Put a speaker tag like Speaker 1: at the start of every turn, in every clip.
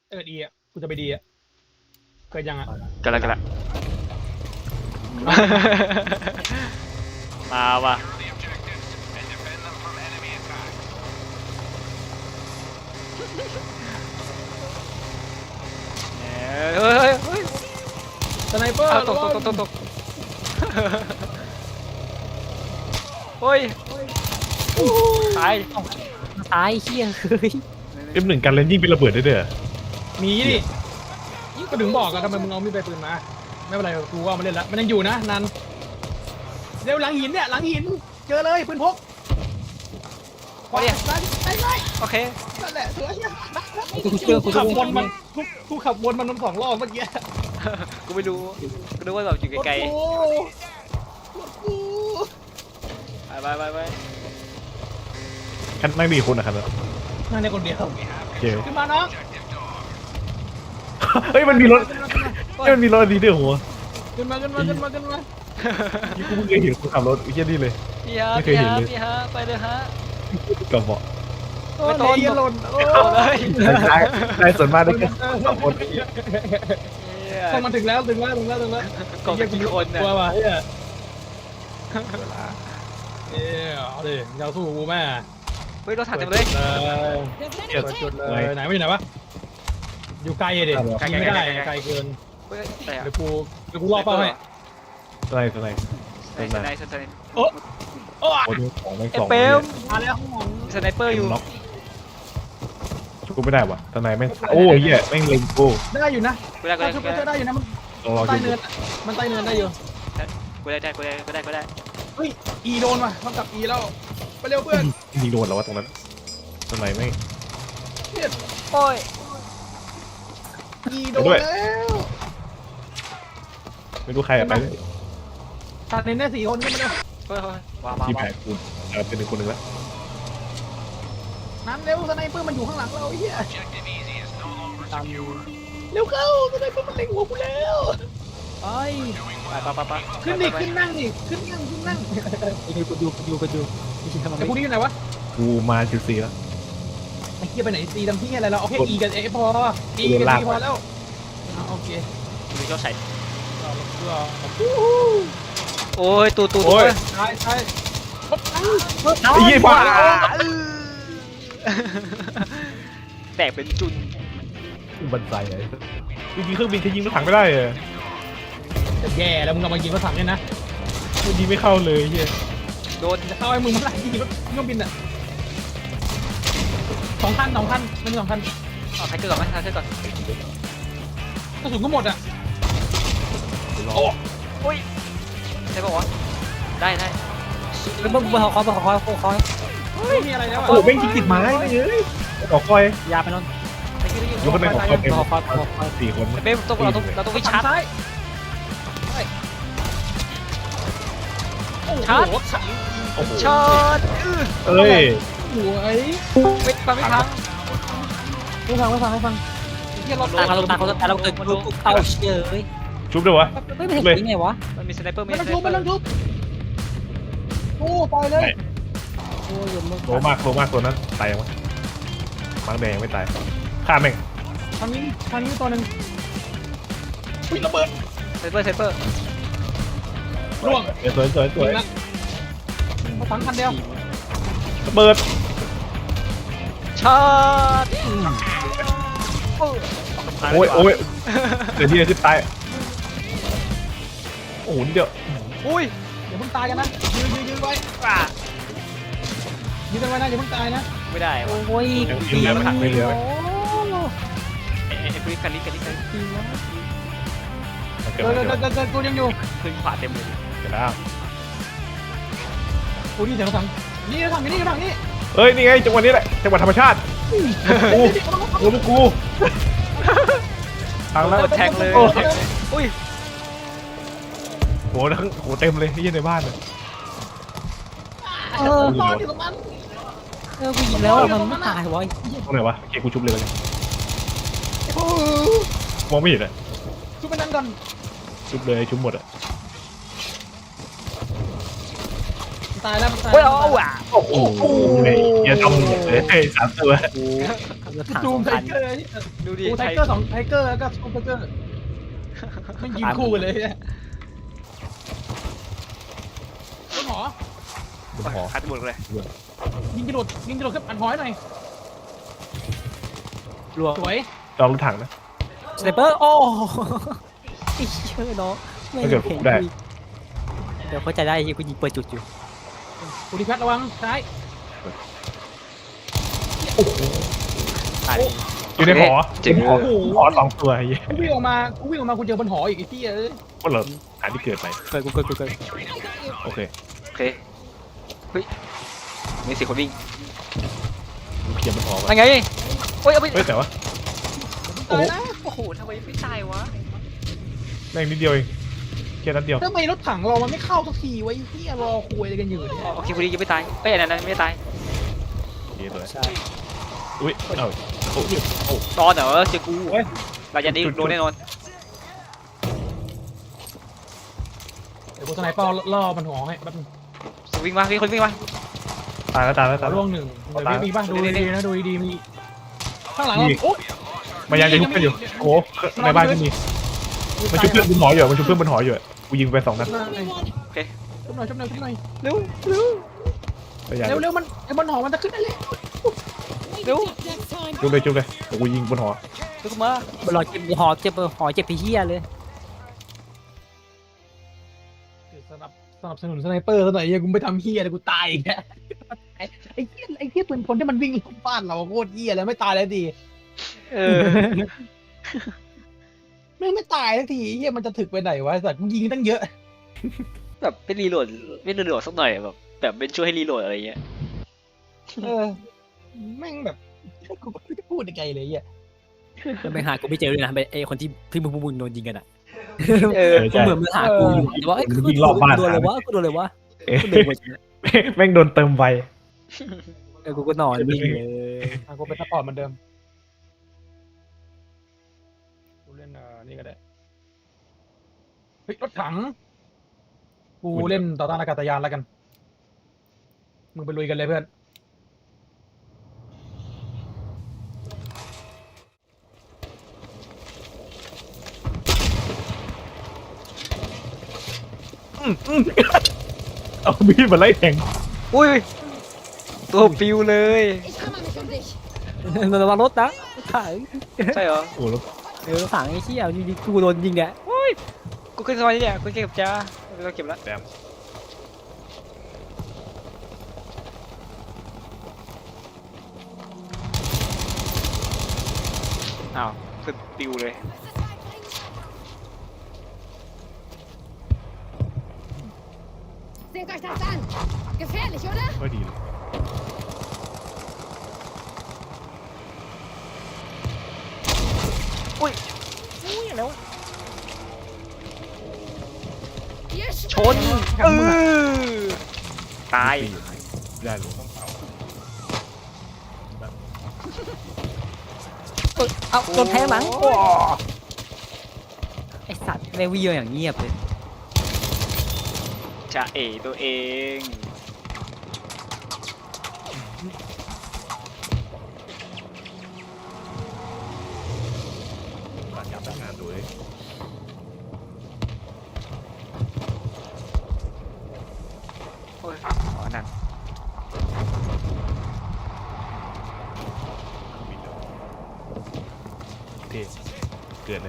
Speaker 1: ดีอ่ะกูจะไปดีอ่ะเกิดยังอ่ะ
Speaker 2: กันละมาว่ะเฮ้ย
Speaker 1: สไนเปอร์
Speaker 2: ตกเฮ้ยตาย
Speaker 3: ตายเฮียเฮ้ย
Speaker 4: M1กันเล่นยิ่งเป็นระเบิดได้เด้อ
Speaker 1: มีดิก็ถึงบอกอะทำไมมึงเอามีดไปปืนมาไม่เป็นไรกูเอามาเล่นละมันยังอยู่นะนันเร็วหลังหินเนี่ยหลังหินเจอเลยปืนพก
Speaker 2: โอ้ย
Speaker 1: ได้
Speaker 2: โอเค
Speaker 1: นั่นแหละสวย
Speaker 3: กูเจอกู
Speaker 1: ขับ
Speaker 3: เจ
Speaker 1: ว
Speaker 3: อน
Speaker 1: มันกูขับวนมัน2 รอบเมื่อกี้
Speaker 2: กูไม่รู้กูนึกว่าแบบอยู่ไกล
Speaker 1: รถกู
Speaker 2: ๆไป
Speaker 4: คันไม่มีคนนะครับ
Speaker 1: นั่นในคนเดียว
Speaker 4: โอเค
Speaker 1: ขึ้นมาน้อง
Speaker 4: เฮ้ยมันมีรถมันมีรถอันนี้ด้วยหัว
Speaker 1: ขึ้นมา
Speaker 4: ยี่กูเพิ่งเคยเห็นคนขับรถไอ้เหี้ยนี่เลย
Speaker 2: พี่ฮะไปเลยฮะ
Speaker 4: กับเบาะ
Speaker 2: ไม่ต้น
Speaker 1: เยหล่นโอ้
Speaker 2: เอาเลย
Speaker 4: ได้ส่วนมากได้แค่สองคน
Speaker 1: เข้ามาถึงแล้ว
Speaker 2: กองกี่คนเนี่ย
Speaker 1: กลัวว่ะเฮ้ยเอาดิยาวสู้กูแม่
Speaker 2: เฮ้ยรถถังเต็มเลย
Speaker 4: เหี้ย
Speaker 1: เปิดจุดเลยไหนไม่อยู่ไหนวะอยู่ไกลดิยิงไม่ได้ไกลเกิน
Speaker 2: เฮ้ยแต่
Speaker 1: เดี๋ยวกูรอเป้าให้
Speaker 4: ตัวไหน
Speaker 2: สไนเปอร์
Speaker 1: โอ้
Speaker 4: โอ้ยของแม่งสอง
Speaker 2: เปม
Speaker 1: มาแล้ว
Speaker 2: สไนเปอร์อยู่
Speaker 4: ล็อกกูไม่ได้ว่ะตัวไหนแม่งโอ้ยเหี้ยแม่งเล็งกู
Speaker 1: ได้อยู่นะ
Speaker 2: กูได้
Speaker 1: คือได้อยู่นะมัน
Speaker 4: ลองรอ
Speaker 1: ใต้
Speaker 4: ดู
Speaker 1: เนินมันใต้เนินได้อยู่
Speaker 2: กูได้
Speaker 1: เฮ้ยอีโดนว่ะมันกลับอีแล้วไปเร็วเพื่อน
Speaker 4: ยิงโดนแล้ววะตรงนั้นตัวไหนแม่ง
Speaker 2: โอ้ย
Speaker 1: อีโดนแล้ว
Speaker 4: ไม่รู้ใครอะไปเลย
Speaker 1: ตัดเน้นได้4 คนขึ้นมาเร็ว
Speaker 2: เฮ้ยว้าว
Speaker 4: ทีมแพ้กูเป็นหนึ่งคนหนึ่งแล้ว
Speaker 1: นั้นเร็วสไนเปอร์มันอยู่ข้างหลังเราไอ้เหี้ยตามอยู่เร็วเข้าสไนเปอร์มันเล็งหัวกูแล้วไป
Speaker 2: ไป
Speaker 1: ขึ้นดิขึ้นนั่งดิขึ้นนั่ง
Speaker 3: กูดูทำไม
Speaker 1: แต่พวกนี้อยู่ไหนวะ
Speaker 4: กูมาจุด4แล้ว
Speaker 1: ไอ้เหี้ยไปไหนซีทำที่อะไรเราเอาแค่ E กับ F พอ E กับ C พอแล้วโอเค
Speaker 2: มีเจ้าใส่
Speaker 1: เราเพื่อ
Speaker 2: โอ้ยตู
Speaker 1: ใช่ใช่
Speaker 4: ไอ้ยี่บ้า
Speaker 2: แตกเป็นจุน
Speaker 4: บันไดไอ้จริงๆเครื่องบินจะยิงรถถังไม่ได้เลย
Speaker 1: จะแย่แล้วมึงเอามายิงรถถังเนี่ยนะ
Speaker 4: มันยิงไม่เข้าเลยเฮีย
Speaker 2: โดน
Speaker 1: จะเข้าไอ้มึงมาไล่ยิงรถเครื่องบินอ่ะ2 คันมันมี2 คัน
Speaker 2: เอาไทเกอร์ก่อนไหมไทเกอร์ก่อน
Speaker 1: กระสุนก็หมดอ่ะ
Speaker 2: โอ้ยใช่ป่าวะได้
Speaker 3: แล้วมึงมาขอ
Speaker 1: ไม่มีอะไรแล้วอ่ะ
Speaker 4: โอ้แม่งยิงติดไม้ไม่เอ้ยขอคอย
Speaker 3: ยาไปนอน
Speaker 4: ยกคนหนึ่งของคอยเต็ม
Speaker 3: ขอ
Speaker 4: 4 คน
Speaker 2: เป้เราต้องไปชาร์จ
Speaker 1: ซ้าย
Speaker 2: ชาร์จ
Speaker 4: โอ้โห
Speaker 2: ชาร์จ
Speaker 4: เอ้ย
Speaker 1: หวย
Speaker 2: ไม่พัง
Speaker 1: ให้ฟัง
Speaker 2: เฮียรถ
Speaker 3: ตาเขาแต่เราเกิดลูกเข้าเฉย
Speaker 4: ชุบด้วยวะ
Speaker 3: ไม่เห็นยังไงวะ
Speaker 2: มันมีสไนเปอร์
Speaker 1: ไม่ต้องทุบโอ้ตายเลย
Speaker 3: โอ้ยมึง
Speaker 4: โลมากตัวนั้นตายยังวะมังแดงยังไม่ตายฆ่าแม่ง
Speaker 1: ทางนี้ตัวหนึ่งระเบิด
Speaker 2: ไซเปอร์
Speaker 1: ร่วง
Speaker 4: สวย
Speaker 1: เขาถังคันเดียว
Speaker 4: ระเบิด
Speaker 2: ชาร์จ
Speaker 4: โอ้ยเดี๋ยวที่ตายโอ้โหเดี๋ยว
Speaker 2: อุ้ย
Speaker 1: เดี๋ยวมึงตายกันนะยืนไว้ยืนกันไว้นะอย่าเพิ่งตายนะ
Speaker 2: ไม่ได้
Speaker 3: โอ้ย
Speaker 4: ยังเหลือถังไม่เหลือ
Speaker 2: ไอ้พวกกันลิ
Speaker 1: เกิดกูยังอยู่
Speaker 2: ขึ้นขวาเต็มเลย
Speaker 4: เดี๋ยวแล้ว
Speaker 1: กูนี่เสียงถังนี่ถังนี่
Speaker 4: เอ้ยนี่ไงจังหวะนี้แหละจังหวะธรรมชาติกูทางแล้ว
Speaker 2: แทงเลยอุ้ย
Speaker 4: โหทั้งโหเต็มเลยที่ในบ้านเลย
Speaker 1: ตอนอยู่ตรงนั้น
Speaker 3: กูยิงแล้วมันไม่ตายวะ
Speaker 4: ตรงไหนวะโอเคกูชุบเลยมองไม่เห็นอ่ะ
Speaker 1: ชุบไปนั่นก่อน
Speaker 4: ชุบเลยชุบหมดอ่ะ
Speaker 1: ตายแล้วมันตาย
Speaker 2: โอ้ย
Speaker 1: แล้ว
Speaker 2: เอาว่ะ
Speaker 4: โอ้โหอย่าทำเลยสามตัว
Speaker 3: กูแล้วถัง
Speaker 1: ซู
Speaker 3: ส
Speaker 1: ม
Speaker 3: อง
Speaker 1: ไท
Speaker 3: คัน
Speaker 1: เกอร์
Speaker 2: ดูดิ
Speaker 1: กูไทเกอร์2ไทเกอร์แล้วก็ซูมไทเกอร์ไม่ยิงคู่กันเลยเนี่ยต้นหอบ
Speaker 4: นหอ
Speaker 2: คัดหมดเลย
Speaker 1: ยิงกระโดดขึ้นอันหอยหน่อย
Speaker 3: รัว
Speaker 1: สวย
Speaker 4: ลองรถถังนะ
Speaker 3: สไนเปอร์โอ้ไอ้เชื่อน้องไม่
Speaker 4: ถ้าเกิดผมได้
Speaker 3: เดี๋ยวเข้าใจได้ที่กูยิงเปิดจุดอยู่
Speaker 1: ปุริพัฒน์ระวังซ้าย
Speaker 3: ตาย
Speaker 4: อยู่ในหอ
Speaker 2: เจ๋ง
Speaker 4: หอหอสองตัวไอ้เหี้ย
Speaker 1: กูวิ่งออกมากูเจอบนหออีกไอ้ที่เอ้ย
Speaker 4: ก็เหรอหาที่เกิดไป
Speaker 3: เกิดกูเกิด
Speaker 4: โอเค
Speaker 2: โอเคเฮ้ยมี4 คนวิ่ง
Speaker 4: เคลียร์บนหอ
Speaker 2: อะ
Speaker 4: ไว้
Speaker 2: ไรไงโอ้ยเอาไป
Speaker 4: เฮ้ยแต่ว่า
Speaker 1: ตายนะ
Speaker 2: โอ้โหทำไมไม่ตายวะ
Speaker 4: แม่งนิดเดียวเองแค่นัดเดียว
Speaker 1: ทำไมรถถังเรามันไม่เข้าสักทีวะไอ้ที่รอคุยอะไรกันอยู่เนี่ย
Speaker 2: โอเคพอดียังไม่ตายเอ้ยอันนั้นไม่ตาย
Speaker 4: เย้ตัว
Speaker 3: ใช่
Speaker 4: อุ้ยเอ้าโอ้ยโอ้
Speaker 2: ตอนเหรอเจอกูเราจะได้โดนแน่นอน
Speaker 1: เดี๋ยวกูสไนเปอร์ล่อมันหอให้แป๊บนึง
Speaker 2: วิ่งมาวิ่งคนวิ่งมา
Speaker 4: ตายแล้วตายแล้ว
Speaker 1: ข
Speaker 4: ตา
Speaker 1: อย
Speaker 4: แล้ว
Speaker 1: ร่วงหนึ่งเดี๋ยวมีป่ะดูดีๆนะดูดีๆมีข้างหลัง
Speaker 4: มี
Speaker 1: เราโอ๊ย
Speaker 4: มันยังจะยุบกันอยู่โอ้ในบ้านก็มีมันชุบเพื่อนบนหออยู่มันชุบเพื่อนบนหออยู่กูยิงไป2 นัด
Speaker 1: ชุบหน่อยชุบหน่อยชุบหน่อย
Speaker 2: เร็วเร็ว
Speaker 4: พยายาม
Speaker 1: เร็วมันไอ้บนหอมันจะขึ้นได้เลย
Speaker 2: เร็ว
Speaker 4: จุบเลยกูยิงบนหอ
Speaker 2: เร็วมา
Speaker 3: รอเจ็บหอเจ็บพี่เฮียเลย
Speaker 1: สนับสนุนสไนเปอร์ซะหน่อยยังกูไปทำเฮียเลยกูตายอีกแล้วไอ้เฮียปืนพลที่มันวิ่งลงบ้านเราโคตรเฮียแล้วไม่ตายแล้วดี
Speaker 2: เออ
Speaker 1: ไม่ตายสักทีเฮียมันจะถึกไปไหนวะสัตว์มึงยิงตั้งเยอะ
Speaker 2: แบบเป็นรีโหลดไม่รีโหลดสักหน่อยแบบเป็นช่วยให้รีโหลดอะไรเงี้ย
Speaker 1: เออแม่งแบบกูไม่รู้จะพูดยังไงเลยเฮีย
Speaker 3: มันไปหากูไม่เจอเลยนะไอ้คนที่มึงโดนยิงกันอ่ะ
Speaker 2: เออ
Speaker 3: ก็เหมือนมึงหากูอยู่แต่ว่ากูโดนเลยวะกูโดนเลยวะกูโดน
Speaker 4: แม่งโดนเติมไว
Speaker 3: กูก็นอนนิ่งเลย
Speaker 1: กูเป็นซัพพอร์ตเหมือนเดิมกูเล่นนี่ก็ได้เฮ้ยรถถังกูเล่นต่อต้านอากาศยานแล้วกันมึงไปลุยกันเลยเพื่อน
Speaker 4: เอามีดมาไล่แทง
Speaker 2: อุ้ยตัวปิวเลย
Speaker 5: Ich kümmere mich um dich.
Speaker 3: ระวังรถนะถัง
Speaker 2: ใช่เหรอ
Speaker 4: โอ้แล้ว
Speaker 3: ถังไอ้เชี่ยยิงกูโดนยิงเนี่ย
Speaker 2: กูขึ้นสมาธิเนี่ยกูเก็บจ้าเราเก็บแล้ว
Speaker 4: แดม
Speaker 2: อ้าวขึ้นปิวเลย
Speaker 5: Seht euch das an. Gefährlich, oder?
Speaker 4: ก็ดีเลย
Speaker 2: อุ้ยแล้ว
Speaker 5: Ihr
Speaker 2: ชนตาย
Speaker 4: ได้เลย
Speaker 3: เอาโดนแทงหลังไอสัตว์แม่งวิ่งอย่างเงียบเลย
Speaker 2: จะเอตัวเอง
Speaker 4: การจับงานดูเลย
Speaker 2: โอ้ยอ๋อนั่น
Speaker 4: เท่เกิดเลย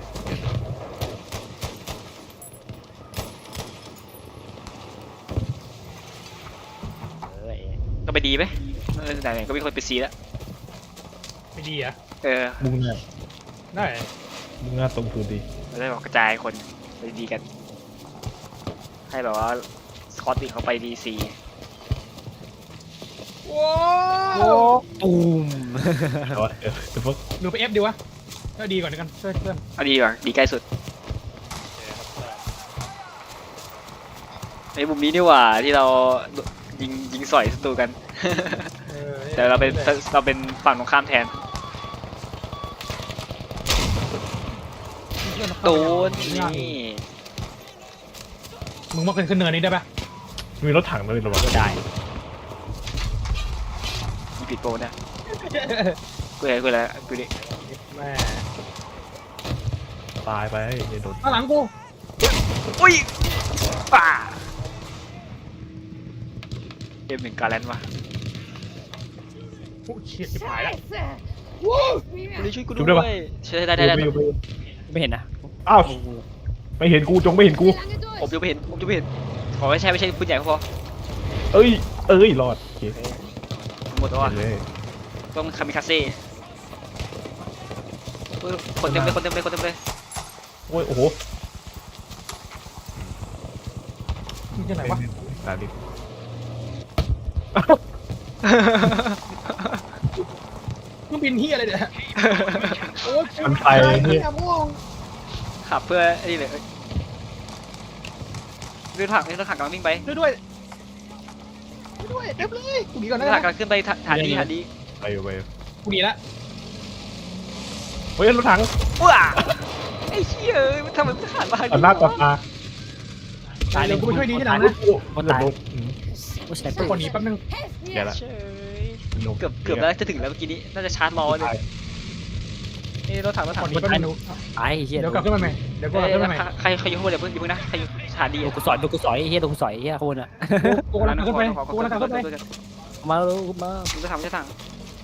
Speaker 2: ก็ไปดีไหมไหนๆก็มีคนไปซีแล้ว
Speaker 1: ไม่ดีอ่ะ
Speaker 2: เออ
Speaker 4: มุ่งหน้า
Speaker 1: ได้
Speaker 4: มุ่งหน้าตรงพื้นดี
Speaker 2: เราได้บอกกระจายคนไปดีกัน ให้แบบว่าสกอตติเขาไปดีซี
Speaker 1: ว้า
Speaker 3: โอ้
Speaker 1: ว
Speaker 3: ตูม
Speaker 4: แต่ว่าเดี๋ยวพวก
Speaker 1: หรือไปเอฟดีวะก็ดีก่อนกันช่วยเพื่อน
Speaker 2: เอาดีกว่าดีใกล้สุดในมุมนี้นี่หว่าที่เรายิงสอยศัตรูกัน แต่เราเป็นฝั่งตรงข้ามแทนโดนนี่
Speaker 1: มึงมาขึ้นเนินนี้ได้ปะ
Speaker 4: มีรถถังด้วยระวัง
Speaker 3: ได้
Speaker 2: มีผิดโปรนะกูเห็นกูแล้วกูดิ
Speaker 1: แม่
Speaker 4: ตายไปอย่าโดน
Speaker 1: ข้างหลังกู
Speaker 2: อุ้ยป่าเกมหนึ่งการแลนด์วะ
Speaker 1: โอ้เชี่ยชิบหายแล้ว
Speaker 5: Scheiße!
Speaker 2: ช่วยกูด้วยช่วยได้
Speaker 4: อยู่ไป
Speaker 3: ไม่เห็นนะ
Speaker 4: อ้าวไม่เห็นกูจงไม่เห็นกู
Speaker 5: Wie lange
Speaker 2: ผม
Speaker 5: durch?
Speaker 2: ยังไม่เห็นผมยังไม่เห็นขอไม่ใช่ปืนใหญ่ก็พอ
Speaker 4: เอ้ยรอดโอเค
Speaker 2: หมดแล้วอ่ะ
Speaker 4: เลย
Speaker 2: ต้องคามิคาเซ่คนเต็มเลย
Speaker 4: โอ้ยโอ้โห
Speaker 1: มึงจะไหนวะ
Speaker 4: ตาดิ
Speaker 1: เครื่องบินเฮียอะไรเนี่ยโอ้ย
Speaker 4: มันไปเนี่ย
Speaker 1: ม่วง
Speaker 2: ขับเพื่อไอ้นี่เลยเรื่องถังกำลังวิ่งไป
Speaker 1: ด้วยเต็มเลยกูหนีก่อน
Speaker 2: เรื่
Speaker 1: นะ
Speaker 2: องถังกำลังขึ้นไปฐานดี
Speaker 4: ไปอยู่
Speaker 1: กูหนีละ
Speaker 4: เฮ้ยรถถัง
Speaker 2: ว้าไอ้เหี้ยมันทำไมมันขาดบ้าน
Speaker 4: ต่อหน้าต่อตา
Speaker 3: ตายเลย
Speaker 1: กูไปช่วยดีที่หลัง
Speaker 4: โอ้
Speaker 1: นะ
Speaker 4: โหโดน
Speaker 3: กูใช้
Speaker 1: กู
Speaker 3: ปืน
Speaker 1: ก่อนหนีแป๊บนึง
Speaker 5: Helft
Speaker 4: แย่
Speaker 5: mir!
Speaker 4: ละ
Speaker 2: เฉยเกือบแล้วจะถึงแล้วเมื่อกี้นี้น่าจะชาร์จรอเลยนี่รถถัง
Speaker 1: ก่อนหนีแป๊บนึง
Speaker 3: ตายเฮีย
Speaker 1: เดี๋ยวกลับขึ้นมาใหม่เดี๋ยวกูกลับขึ้นมาใหม่
Speaker 2: ใครอยู่ข้างบนอย่าเพิ่งนะใครอยู่ฐานดี
Speaker 3: โดนกูสอยเฮียโดนกูสอยเฮียโคนอ่ะ
Speaker 1: กูกำลังขึ้นไปกูกำลังขึ้นไป
Speaker 3: มาแล้วมา
Speaker 2: มึงจะทำจะถัง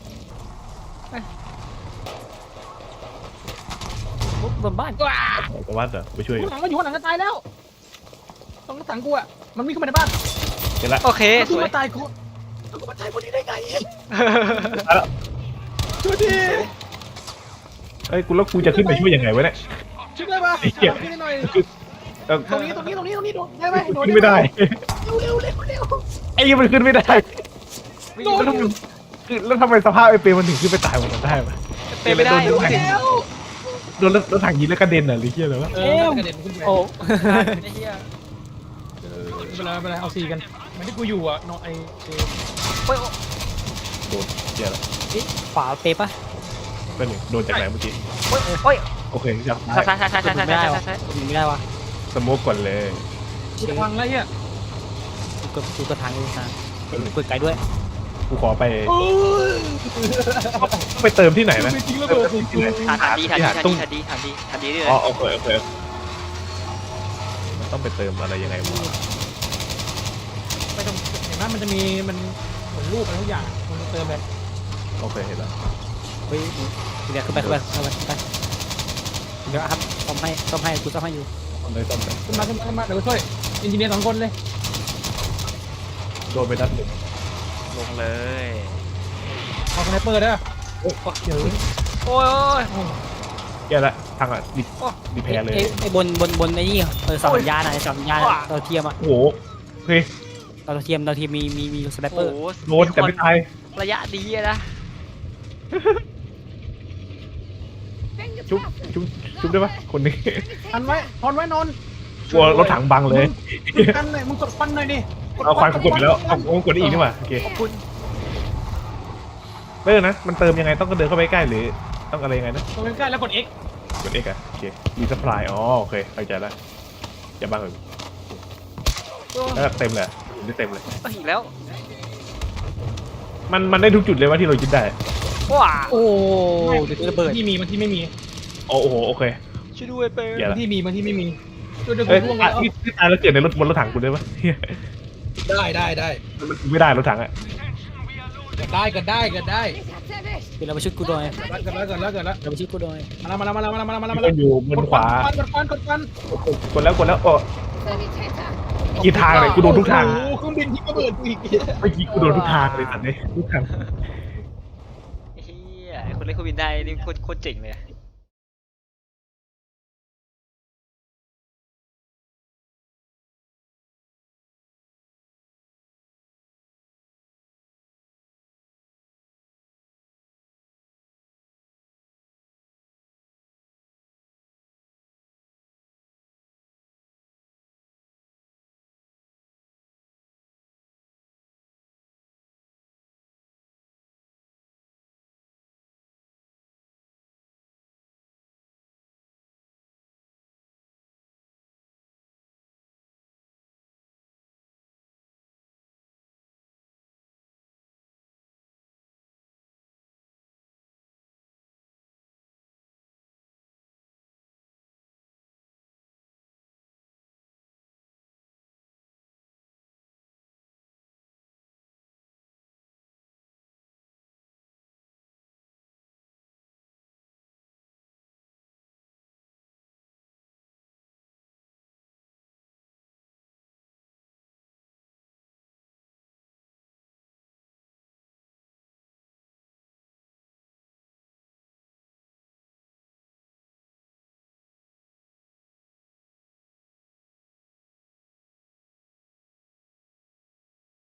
Speaker 3: บนบ้าน
Speaker 1: ว้า
Speaker 4: แต่ว่าเดี๋ยวไปช่วยอยู่
Speaker 1: หลังก็อยู่ข้างหลังก็ตายแล้วต้องถังกูอ่ะมันวิ่งเข้ามาในบ้าน
Speaker 4: เห็นละ
Speaker 2: โอเคส
Speaker 1: กู
Speaker 2: วย
Speaker 1: มาตายกูมาตายคนนี้ได้ไงช่วยดิ
Speaker 4: เอ้ยกูแล้วกูจะขึ้นไปช่วยยังไงวะเนี่ย
Speaker 1: ช่วยได้ปะ
Speaker 4: ไอ้เหี้ย
Speaker 1: ช่วยได้หน่อย
Speaker 4: เออ
Speaker 1: ตรงนี้โดดได้ไหมโดด
Speaker 4: ขึ้นไม่ได้
Speaker 1: เร็ว
Speaker 4: ไอ้ยังมันขึ้นไม่ได้
Speaker 1: โดด
Speaker 4: แล้วทำไมสภาพไอ้เปรมมันถึงขึ้นไปตายหมดได้วะ
Speaker 2: เป็นไม่ได้
Speaker 1: แล้ว
Speaker 4: โดนรถถังยิงแล้วกระเด็นเหรอหรือเหี้ยอะไรวะ
Speaker 1: กระเด็นขึ้นไป
Speaker 3: โอ้
Speaker 2: ไอ้เหี้ย
Speaker 1: ไม่เป็นไรเอาซีกันมันที่กูอยู่อ่ะน้องไอ้
Speaker 2: โอ้ย
Speaker 4: โดนเหี้ยละ
Speaker 3: ฝาเปปะ
Speaker 4: เป็นหนึ่งโดนจากไหนเมื่อกี้
Speaker 2: โอ้ย
Speaker 4: โอเคจับ
Speaker 2: ใช่ใช่
Speaker 3: ไม่ได้วะไม่ได้วะ
Speaker 4: สโมกก่อนเลย
Speaker 1: กูพังแล้วเฮีย
Speaker 3: กูกระทางกูทางเปิดไกลด้วย
Speaker 4: กูขอไปเติมที่ไหนนะ
Speaker 1: ไม่ทิ้งระเบิดกู
Speaker 2: ฐานดีด้วย
Speaker 4: อ๋อโอเคมันต้องไปเติมอะไรยังไงวะ
Speaker 1: ไม่ต้องเห็นไหมมันจะมีมันเหมือนรูปอะไรทุกอย่างมันเติมเลย
Speaker 4: โอเคเห็นแล้ว
Speaker 3: เฮ้ยเดี๋ยวขึ้นไปเดี๋ยวครับซ่อมให้กูซ่อมให้อยู่
Speaker 4: เลยต้อม
Speaker 1: ขึ้นมาเดี๋ยวช่วยอินจิเนียร์2 คนเลย
Speaker 4: โดนไปนัดหนึ่ง
Speaker 2: ลงเลย
Speaker 1: เอาสไนเปอร์ได้ป่ะ
Speaker 2: โอ้ย
Speaker 4: แย่ละทางอ่ะดิแพ้เลย
Speaker 3: ไอ้บนไอ้นี่สองสัญญาณอะสัญญาณเราเทียมอะ
Speaker 4: โอ้โหเฮ้ย
Speaker 3: เราเทียมมีสไนเปอร์
Speaker 4: โดนแต่ไม่ตาย
Speaker 2: ระยะดีนะ
Speaker 5: Bin
Speaker 4: ชุบ
Speaker 5: getroffen!
Speaker 4: ชุบได้ปะคนนี้
Speaker 1: ทันไว้นอน
Speaker 4: กลัวรถถังบังเลย
Speaker 1: กันเลยมึงกดฟันหน่อยดิ
Speaker 4: เอาควายกูกดไปแล้วเอากดได้อีกนี่หว่าโอเค
Speaker 2: ขอบคุณ
Speaker 4: เติมนะมันเติมยังไงต้องก็เดินเข้าไปใกล้หรือต้องอะไรยังไงนะ
Speaker 1: ตรงใกล้แล้วกด X
Speaker 4: กด X อ่ะโอเคมีสปายอ๋อโอเคเข้าใจแล้วอย่าบังเลยแล้วเต็มเลยได้เต็มเลย
Speaker 2: อีกแล้ว
Speaker 4: มันได้ทุกจุดเลยว่าที่เรายึดได้
Speaker 2: ว้า
Speaker 3: โอ้เดี๋ยวระเบิด
Speaker 1: ที่มีมันที่ไม่มี
Speaker 4: โอ้โหโอเค
Speaker 2: ช่วยด้วยเปิด
Speaker 4: อย่าละ
Speaker 1: ที่มีมันที่ไม่มีเดี๋ยว
Speaker 4: เอ้ย
Speaker 1: กูล่วงแล้ว
Speaker 4: ที่ตายแล้วเกิดในรถบนรถถังกูได้ปะเฮีย
Speaker 1: ได้
Speaker 4: มันไม่ได้รถถังอ่ะ
Speaker 1: ได้
Speaker 5: Mich hat's erwischt!
Speaker 3: เดี๋ยวเราไปชุดกูหน่อย
Speaker 1: เกิดแล้ว
Speaker 3: เราไปชุดกูหน่อย
Speaker 1: มาแล้ว
Speaker 4: ที่มันอยู่บนขวาก
Speaker 1: ดฟัน
Speaker 4: กดแล้วโอ้
Speaker 5: Sanitäter!
Speaker 4: กี่ทางเลยกูโดนทุกทาง
Speaker 1: โอ้เครื่องบินที่ระเบิดกูอีก
Speaker 4: เมื่อกี้กูโดนทุกทางเลยสัตว์เลยทุกทาง
Speaker 2: เฮียคนเล่นเครื่องบินได้นี่โคตรเจ๋งเลย